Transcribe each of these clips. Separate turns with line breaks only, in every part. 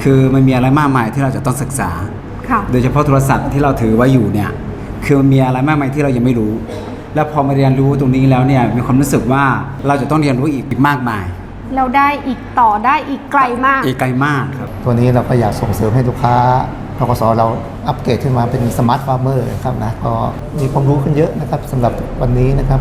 คือมันมีอะไรมากมายที่เราจะต้องศึกษาโดยเฉพาะโทรศัพท์ที่เราถือไว้อยู่เนี่ยคือมันมีอะไรมากมายที่เรายังไม่รู้แล้วพอมาเรียนรู้ตรงนี้แล้วเนี่ยมีความรู้สึกว่าเราจะต้องเรียนรู้อีกมากมาย
เราได้อีกต่อได้อีกไกลมาก
ครับ
ตัวนี้เราก็อยากส่งเสริมให้ลูกค้าธกส.เราอัปเกรดขึ้นมาเป็นสมาร์ทฟาร์มเมอร์ครับนะก็มีความรู้ขึ้นเยอะนะครับสำหรับวันนี้นะครับ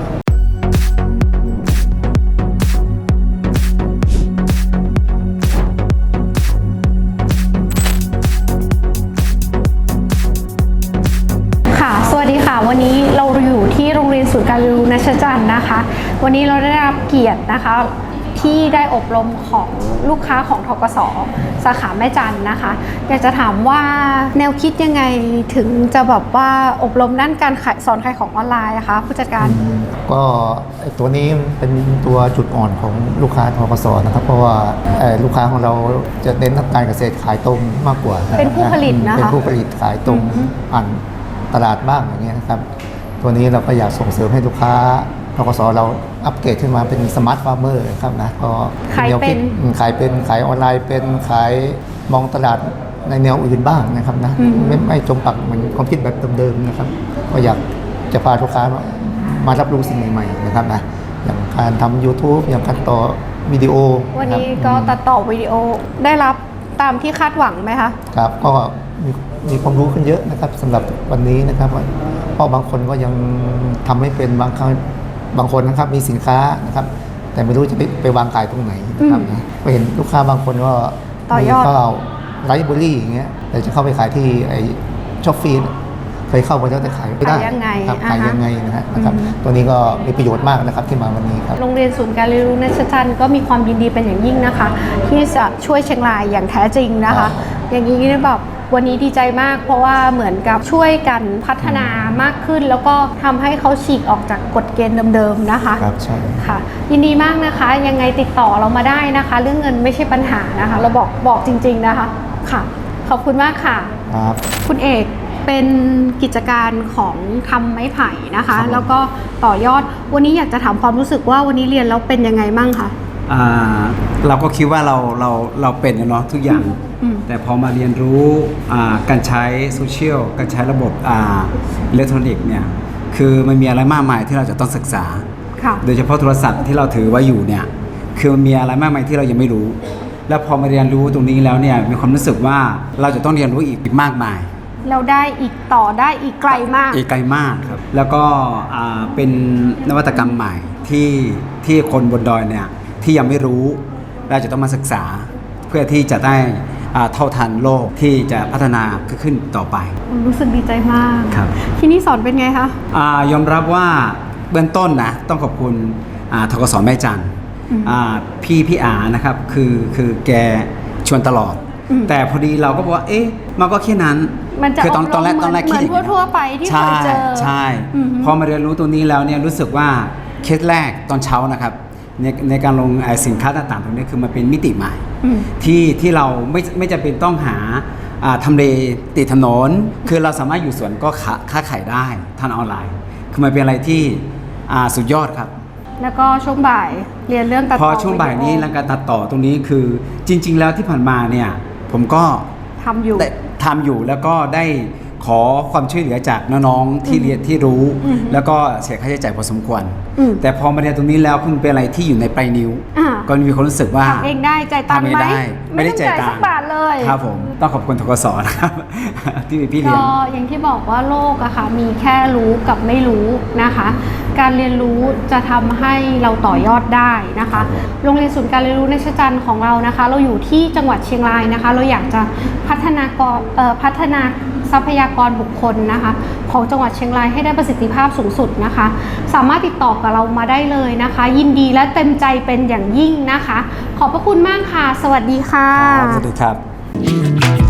สวัสดีค่ะวันนี้เราอยู่ที่โรงเรียนศูนย์การเรียนรู้ณ ชจันทร์นะคะวันนี้เราได้รับเกียรตินะคะที่ได้อบรมของลูกค้าของธกส.สาขาแม่จันทร์นะคะอยากจะถามว่าแนวคิดยังไงถึงจะแบบว่าอบรมด้านการสอนขายของออนไลน์นะคะผู้จัดการ
ก็ตัวนี้เป็นตัวจุดอ่อนของลูกค้าธกส.นะครับเพราะว่าลูกค้าของเราจะเน้นทางการเกษตรขายตรงมากกว่า
เป็นผู้ผลิตนะคะ
เป็นผู้ผลิตขายตรงผ่านตลาดบ้างอย่างเงี้ยนะครับตัวนี้เราก็อยากส่งเสริมให้ลูกค้าธกส.เราอัปเกรดขึ้นมาเป็นสมาร์ทฟาร์มเมอร์ครับนะก็
ขาย
ออนไลน์เป็นขายมองตลาดในแนวอื่นบ้างนะครับนะไม่จมปักเหมือนความคิดแบบเดิมๆนะครับก็อยากจะพาลูกค้ามารับรู้สิ่งใหม่ๆนะครับนะอย่างการทำ YouTube อย่างการต่อวิดีโอ
วันนี้ก็ตัดต่อวิดีโอได้รับตามที่คาดหวังไหมคะ
ครับก็มีความรู้ขึ้นเยอะนะครับสำหรับวันนี้นะครับเพราะบางคนก็ยังทำไม่เป็นบางคนนะครับมีสินค้านะครับแต่ไม่รู้จะไปวางขายตรงไหนนะครับนะไปเห็นลูกค้าบางคนก็
ต่อยอด
ก็ไลฟ์บุรี่อย่างเงี้ยแต่จะเข้าไปขายที่ไอ้ช็อปฟีนเคยเข้าไปแล้วแต่ขายไม่ได้ครับขายยังไงนะครับตัวนี้ก็มีประโยชน์มากนะครับที่มาวันนี้ครับ
โรงเรียนศูนย์การเรียนรู้ณ ชจันทร์ก็มีความยินดีเป็นอย่างยิ่งนะคะที่จะช่วยเชียงรายอย่างแท้จริงนะคะอย่างนี้แบบวันนี้ดีใจมากเพราะว่าเหมือนกับช่วยกันพัฒนามากขึ้นแล้วก็ทำให้เขาฉีกออกจากกฎเกณฑ์เดิมๆนะคะ
ครับใช่
ค่ะยินดีมากนะคะยังไงติดต่อเรามาได้นะคะเรื่องเงินไม่ใช่ปัญหานะคะเราบอกจริงๆนะคะค่ะขอบคุณมากค่ะ
ครับ
คุณเอกเป็นกิจการของทำไม้ไผ่นะคะแล้วก็ต่อยอดวันนี้อยากจะถามความรู้สึกว่าวันนี้เรียนแล้วเป็นยังไงบ้างคะ
เราก็คิดว่าเราเป็นเนาะทุกอย่างแต่พอมาเรียนรู้การใช้โซเชียลการใช้ระบบอิเล็กทรอนิกส์เนี่ยคือมันมีอะไรมากมายที่เราจะต้องศึกษาโดยเฉพาะโทรศัพท์ที่เราถือไว้อยู่เนี่ยคือมันมีอะไรมากมายที่เรายังไม่รู้แล้วพอมาเรียนรู้ตรงนี้แล้วเนี่ยมีความรู้สึกว่าเราจะต้องเรียนรู้อีกมากมาย
เราได้อีกต่อได้อีกไกลมาก
ครับแล้วก็เป็นนวัตกรรมใหม่ที่คนบนดอยเนี่ยที่ยังไม่รู้เราจะต้องมาศึกษาเพื่อที่จะได้เท่าทันโลกที่จะพัฒนาขึ้นต่อไป
รู้สึกดีใจมาก
ครับ
ที่นี่สอนเป็นไงคะ
ยอมรับว่าเบื้องต้นนะต้องขอบคุณธกส.แม่จันทร์พี่อานะครับคือแกชวนตลอดแต่พอดีเราก็บอกว่าเอ๊ะมันก็แค่นั้น
คือตอนแรกคิดเหมือนทั่วไปที่เคยเจอ
ใช่พอมาเรียนรู้ตรงนี้แล้วเนี่ยรู้สึกว่าเคสแรกตอนเช้านะครับในการลงสินค้าต่างๆตรงนี้คือมันเป็นมิติใหม่ที่เราไม่จำเป็นต้องหาทำเลติดถนนคือเราสามารถอยู่สวนก็ค้าขายได้ทางออนไลน์คือมันเป็นอะไรที่สุดยอดครับ
แล้วก็ช่วงบ่ายเรียนเรื่องตัดต่อ
พอช่วงบ่ายนี้แล้วการตัดต่อตรงนี้คือจริงๆแล้วที่ผ่านมาเนี่ยผมก็ทำอยู่แล้วก็ได้ขอความช่วยเหลือจากน้องๆที่เรียนที่รู้แล้วก็เสียค่าใช้จ่ายพอสมควรแต่พอมาเรียนตรงนี้แล้วคุณเป็นอะไรที่อยู่ในปลายนิ้วก็มีความรู้สึกว่า
ทำเองได้จ่ายตังค์ไหม
ไม่ได้จ่ายสั
กบาทเลย
ครับผมต้องขอบคุณธกส.นะครับที่มีพี่เลี้ยง
ก็อย่างที่บอกว่าโลกอะค่ะมีแค่รู้กับไม่รู้นะคะการเรียนรู้จะทำให้เราต่อยอดได้นะคะโรงเรียนศูนย์การเรียนรู้ณ ชจันทร์ของเรานะคะเราอยู่ที่จังหวัดเชียงรายนะคะเราอยากจะพัฒนาทรัพยากรบุคคลนะคะของจังหวัดเชียงรายให้ได้ประสิทธิภาพสูงสุดนะคะสามารถติดต่อกับเรามาได้เลยนะคะยินดีและเต็มใจเป็นอย่างยิ่งนะคะขอบพระคุณมากค่ะสวัสดีค่ะ
สวัสดีครับ